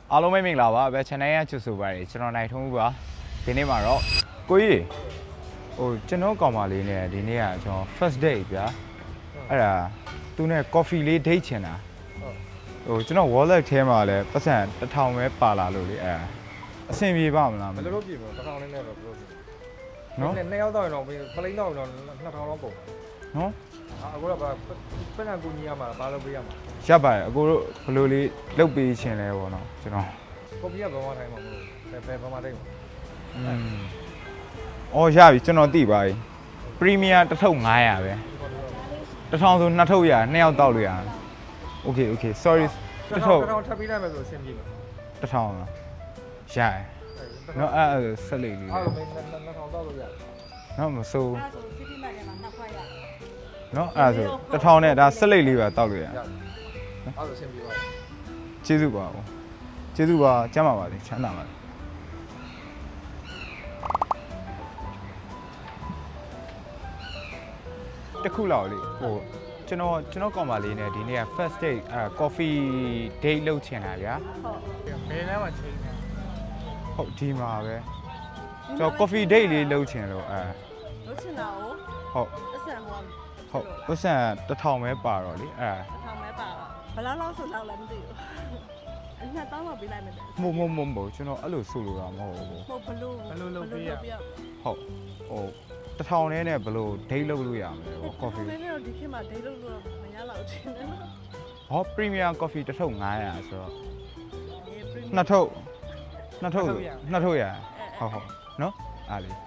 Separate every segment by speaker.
Speaker 1: အားလုံးပဲမင်္ဂလာပါပဲ channel ရချစ်ဆိုပါတယ်ကျွန်တော်နိုင်ထုံးဦးပါဒီနေ့မှာတော့ကိုကြီးဟိုကျွန်တော်ကောင်မလေးနဲ့ဒီနေ့ကကျွန်တော် first date ဗျာအဲ့ဒါသူနဲ့ coffee လေး date ချင်တာဟိုကျွန်တော် wallet ထဲမှာလည်းပတ်စံ1000ပဲပါလာလို့လေအဲ့အဆင်ပြေပါမလားမ
Speaker 2: ဘယ်
Speaker 1: လို့
Speaker 2: လိုပြင်မလဲ1000နဲ့တော့ဘယ်လိုပြင်
Speaker 1: နော်
Speaker 2: နှစ်ယောက်တော့ရင်တော့ဖလိန်တော့ရင်တော့2000လောက်ပုံ
Speaker 1: နော်
Speaker 2: အခုတော့ပတ်စံကူညီရမှာဘာလုပ်ပေးရမှာ
Speaker 1: ရပါတယ်အကိုတို့ဘယ်လိုလေးလုပ်ပေးရှင်လဲပေါ့နော်ကျွန်တော်
Speaker 2: ကော်ပီကဘယ်မှာထိုင်မှာမလို့ဘယ်မှာတိတ်မှာ
Speaker 1: အော်ရပြီကျွန်တော်သိပါပြီပရီးမီယာတစ်ထုပ်900ပဲ1000ဆို2ထုပ်ရ2ယောက်တောက်လို့ရโอเค sorry တစ်ထုပ်
Speaker 2: 1000ထပ်ပေးလိုက်မယ်ဆိုအဆင်ပြေမှာ
Speaker 1: 1000လားရတယ်နော်အဲ့ဆက်လေးလေး
Speaker 2: အားလုံး2000တောက်လို့ရတယ်
Speaker 1: နော်မစိုး
Speaker 3: အဲ့ဒါဆို city map ထဲမှာနှစ်ခွက်ရ
Speaker 1: နော်အဲ့ဆို1000နဲ့ဒါဆက်လေးလေးပဲတောက်လို့ရ
Speaker 2: အားလုံးအဆင်ပြေပါ
Speaker 1: ကျေးဇူးပါဦးကျေးဇူးပါကျမ်းပါပါစေချမ်းသာပါစေတစ်ခုလောက်လေဟိုကျွန်တော်ကောင်မလေးနဲ့ဒီနေ့က first date coffee date လုပ်ချင်တာဗျာ
Speaker 2: ဘယ်လမ်းမှာချိန်နေ
Speaker 1: ဟုတ်ဒီမှာပဲကျွန်တော် coffee date လေးလုပ်ချင်လို့
Speaker 3: လို့ချင်တာကို
Speaker 1: ဟုတ်
Speaker 3: အဆန်ဟို
Speaker 1: ဟုတ်ပတ်စံ1000ပဲပါတော့လေ
Speaker 3: ထောင်မဲပါတော့ဘယ်လောက်ဆိုလောက်လည်းမသိဘူးအနှစ်တောင်းလောက်ပေးလိုက်မယ်တဲ့
Speaker 1: မဟုတ်ကျွန်တော်အဲ့လိုဆိုလိုတာမဟုတ်ဘူး
Speaker 3: ဟုတ်ဘလို့လုပ်ပေးရ
Speaker 1: ဟုတ်ဟို1000နဲ့ဘယ်လို date လုပ်လို့ရမလဲပေါ့ coffee
Speaker 3: မင်းတို့ဒီခေတ်မှာဒိတ်လုပ်လို့မရတော့ချင်တယ်
Speaker 1: ဟော premium coffee တစ်ထုပ်900ဆိုတော့နှစ်ထုပ်ရဟုတ်နော်အားလေး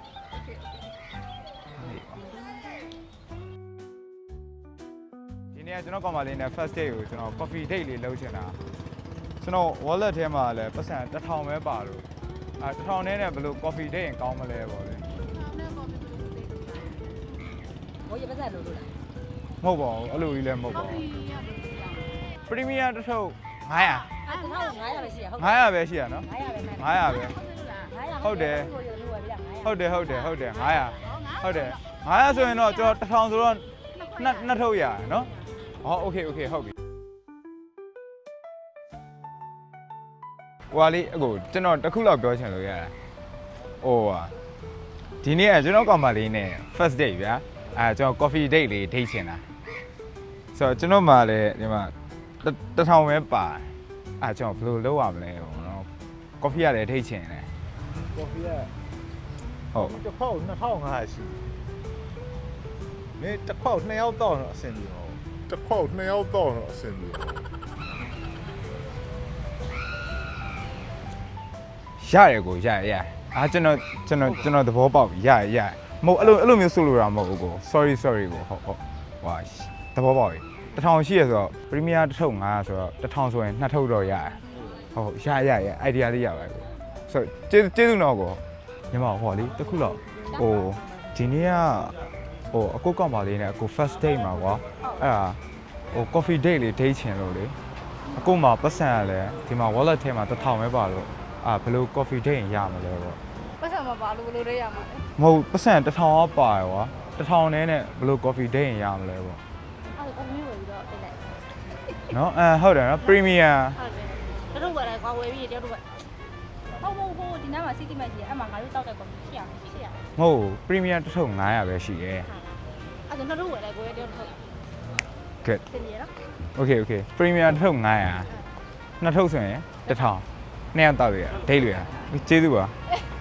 Speaker 1: ဒီနေ့ကျွန်တော်ကောင်မလေးနဲ့ first date ကိုကျွန်တော် coffee date လေးလုပ်ချင်တာကျွန်တော် wallet ထဲမှာလည်းပတ်စံ1000ပဲပါလို့1000နဲ့ဘယ်လို coffee date ရင်ကောင်းမလဲပေါ့လေ
Speaker 3: ဘိုးရပါစလို့လား
Speaker 1: မဟုတ်ပါဘူးအဲ့လိုကြီးလည်းမဟုတ်ပါဘူး premium တစ်ထုပ်900
Speaker 3: အဲ့1500ပဲရှိရဟုတ်
Speaker 1: 900ပဲရှိရနော်
Speaker 3: 900ပဲမှန်
Speaker 1: 900ပဲ
Speaker 3: 900
Speaker 1: ဟုတ်တယ်
Speaker 3: 900
Speaker 1: ဟုတ်တယ်900ဟုတ်တယ်900ဆိုရင်တော့ကျွန်တော်1000ဆိုတော့နှစ်ထုပ်ရနော်ဟောโอเคဟုတ်ပြီဟိုဟာလေးအခုကျွန်တော်တစ်ခုလောက်ပြောချင်လို့ရတာဟိုဟာဒီနေ့ကကျွန်တော်ကောင်မလေးနဲ့ first date ဗျာကျွန်တော် coffee date လေး date ချင်တာဆိုတော့ကျွန်တော်မှလည်းဒီမှာ1000ပဲပါကျွန်တော်ဘယ်လိုလုပ်ရမလဲပေါ့နော် coffee ရတယ် date ချင်တယ်
Speaker 2: ကော်ပီက
Speaker 1: ဟုတ်
Speaker 2: တစ်ခေါက်2500ရှိမင်းတစ်ခေါက်2ယောက်တော့အဆင်ပြေပါဘူး
Speaker 4: တစ်ခေါက်2ယောက်တော့အဆင်ပြေ
Speaker 1: ရတယ်ကိုရကျွန်တော်သဘောပေါက်ပြီရမဟုတ်အဲ့လိုမျိုးဆိုလိုတာမဟုတ်ဘူးကို sorry ကိုဟုတ်ဟွာသဘောပေါက်ပြီ1000ရှိရဆိုတော့ premium တစ်ထုပ်900ဆိုတော့1000ဆိုရင်2ထုပ်တော့ရတယ်ဟုတ်ရ idea လေးရပါကိုဆိုကျေးဇူးတော့ကိုညီမဟောလေတစ်ခုတော့ဟိုဒီနေ့ကဟိုအကုတ်ကောက်ပါလေးနဲ့အကု first date မှာကွာအဲ့ဒါဟို coffee date လေး date ချင်လို့လေအကုမှာပတ်စံရလဲဒီမှာ wallet ထဲမှာ1000ပဲပါလို့ဘယ်လို coffee date ရမလဲပေါ့
Speaker 3: ပတ်စံမပါလို့ဘယ်လိုလဲရမှာလဲ
Speaker 1: မဟုတ်ပတ်စံ1000ကပါရွာ1000နဲ့ဘယ်လို coffee date ရမလဲပေါ့
Speaker 3: အဲ့ဒါမျိုးဝယ်ပြီးတော့တင်လိုက်
Speaker 1: နော်ဟုတ်တယ်နော် premium
Speaker 3: ဟုတ်တယ်တို့ဝယ်လိုက်ကွာဝယ်ပြီးတယောက်တို့ဝယ်ဟုတ်ဒီနားမှာ city map ကြီးအဲ့မှာငါတို့တောက်တဲ့ကော်ဖီရှိရမယ်
Speaker 1: မဟုတ် premium တစ်ထုပ်900ပဲရှိတယ်
Speaker 3: အဲ့ဒါတို့ဝယ်လိုက်ကိုရတယောက်တို့
Speaker 1: good
Speaker 3: စင်ရနော်
Speaker 1: okay premium တစ်ထုပ်900နှစ်ထုပ်ဆိုရင်1000နှစ်ယောက်တောက်ရ date လို့ရကျေးဇူးပါ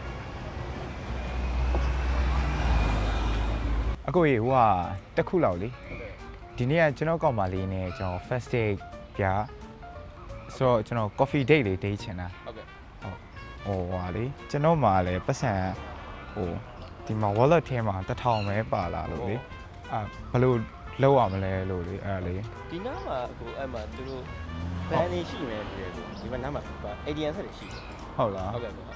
Speaker 1: အကိုကြီးဟိုကတစ်ခုလောက်လေဒီနေ့ကကျွန်တော်ကောင်မလေးနဲ့ကျွန်တော် first date ပြဆိုတော့ကျွန်တော် coffee date လေး date ချင်တာ
Speaker 2: ဟုတ်ကဲ့
Speaker 1: ဟိုဟာလေကျွန်တော်မှလည်းပတ်စံဟိုဒီမှာ wallet ထဲမှာ1000ပဲပါလာလို့လေဘယ်လိုလုပ်ရမလဲလို့လေအဲ့လေ
Speaker 5: ဒီနားမှာအခုအဲ့မှာသူတို့ဘန်နေရှိမယ်တကယ်ဆိုဒီမှာနားမှာ ATM ဆက်တွေရှိတယ်
Speaker 1: ဟုတ်လား
Speaker 5: ဟုတ်ကဲ့ဟုတ်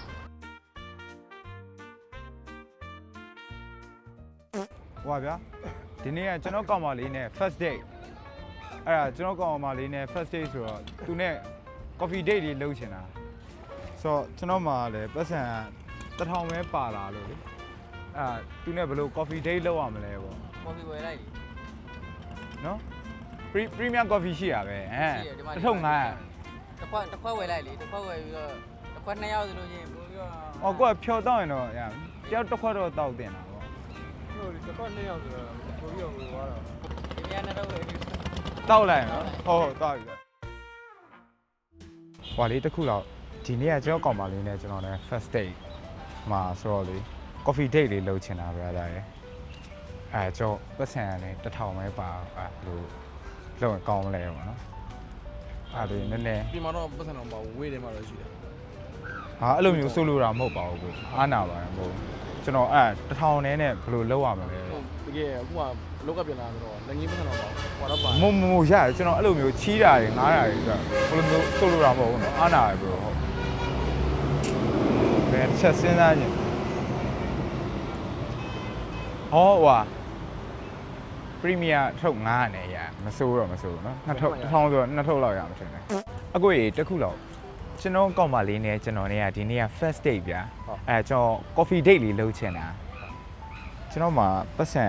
Speaker 1: ဟိုပါဗျာဒီနေ့ကကျွန်တော်ကောင်မလေးနဲ့ first date အဲ့ဒါကျွန်တော်ကောင်မလေးနဲ့ first date ဆိုတော့သူနဲ့ coffee date လေးလုပ်ချင်တာဆိုတော့ကျွန်တော်မှလည်းပတ်စံ1000ပဲပါလာလို့လေသူနဲ့ဘယ်လို coffee date လုပ်ရမလဲပေါ့
Speaker 5: ကော်ဖီဝယ်လိုက်
Speaker 1: နော် premium coffee ရှိရပဲတစ်ထုပ်900
Speaker 6: တစ်ခွက်ဝယ်လိုက်လေတစ်ခွက်ဝယ်ပြီးတော့တစ်ခွက်2ယောက်ဆိုလို့ချင်းပို့ပြီးတော့
Speaker 1: ဟောကိုကဖြောတော့ရင်တော့ရတယောက်တစ်ခွက်တော့တောက်တင်တာပေါ့
Speaker 2: ဟုတ်ဒီတစ်ခွက်2ယောက်ဆိုတော့ကိုပြီးတော့ဟိုသွားတော့
Speaker 6: ဒီမြန်နဲ့တော့ဝယ်ပြီး
Speaker 1: တောက်လိုက်နော်ဟုတ်တောက်ပြီဟွာလေးတစ်ခုတော့ဒီနေ့ကကျွန်တော်ကောင်မလေးနဲ့ကျွန်တော်လည်း first date မှာဆိုတော့လေ coffee date လေးလုပ်ချင်တာဗျာဒါရယ်ကျွန်တော်ပတ်စံရတယ်1000ပဲပါလို့လုံးကောင်းမလဲပေါ့နော်အဲ့ဒီနည်းနည်း
Speaker 7: ဒီမှာတော့ပတ်စံတော့ပါဝေးတယ်မှာတော့ရှိတယ်
Speaker 1: ဟာအဲ့လိုမျိုးဆိုလိုတာမဟုတ်ပါဘူးကိုအားနာပါတယ်မဟုတ်ကျွန်တော်1000နဲ့ဘယ်လိုလုပ်ရမလဲ
Speaker 7: ဟုတ်တကယ်အခုကလောက်ကပြန်လာဆိုတော့လက်ငင်းပတ်စံတော့ပါဟောတော့ပါ
Speaker 1: မရတယ်ကျွန်တော်အဲ့လိုမျိုးချီးတာတွေငားတာတွေဆိုဘယ်လိုမျိုးဆိုလိုတာမဟုတ်ဘူးနော်အားနာတယ်ဘယ်လိုဟုတ်ဘယ်ချက်စဉ်းစားကြည့်ဟောဟွာပရီးမီယာထုတ်9နဲ့ရမစိုးတော့မစိုးနော်1000ဆိုတော့2ထုတ်လောက်ရမှာထင်တယ်အကိုကြီးတစ်ခုလောက်ကျွန်တော်ကောက်မလေးနဲ့ကျွန်တော်เนี่ยဒီနေ့က first date ဗျာကျွန်တော် coffee date လေးလုပ်ချင်တာကျွန်တော်မှာပတ်စံ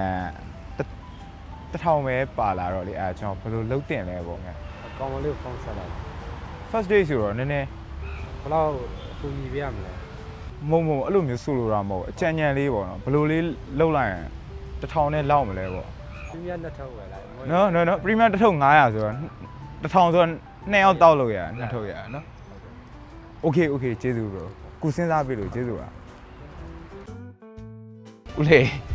Speaker 1: 1000ပဲပါလာတော့လေကျွန်တော်ဘယ်လိုလုပ်တင်လဲပေါ့ငါ
Speaker 2: ကောင်းမလေးဖုန်းဆက်လိုက်
Speaker 1: first date ဆိုတော့နည်းနည်း
Speaker 2: ဘယ်လောက်အကူညီပေးရမလဲ
Speaker 1: မုံအဲ့လိုမျိုးဆိုလိုတာမဟုတ်အကြံဉာဏ်လေးပေါ့နော်ဘယ်လိုလေးလုပ်လိုက်ရင်1000နဲ့လောက်မလဲပေါ့
Speaker 2: ပြင်းပြနှစ်ထောက်ဝယ်လိုက်
Speaker 1: နော် premium တစ်ထုပ်900ဆိုတော့1000ဆိုတော့2ယောက်တောက်လို့ရ2ထုပ်ရနော် okay ကျေးဇူး bro ကုစဉ်းစားပြီလို့ကျေးဇူးပါဦးလေး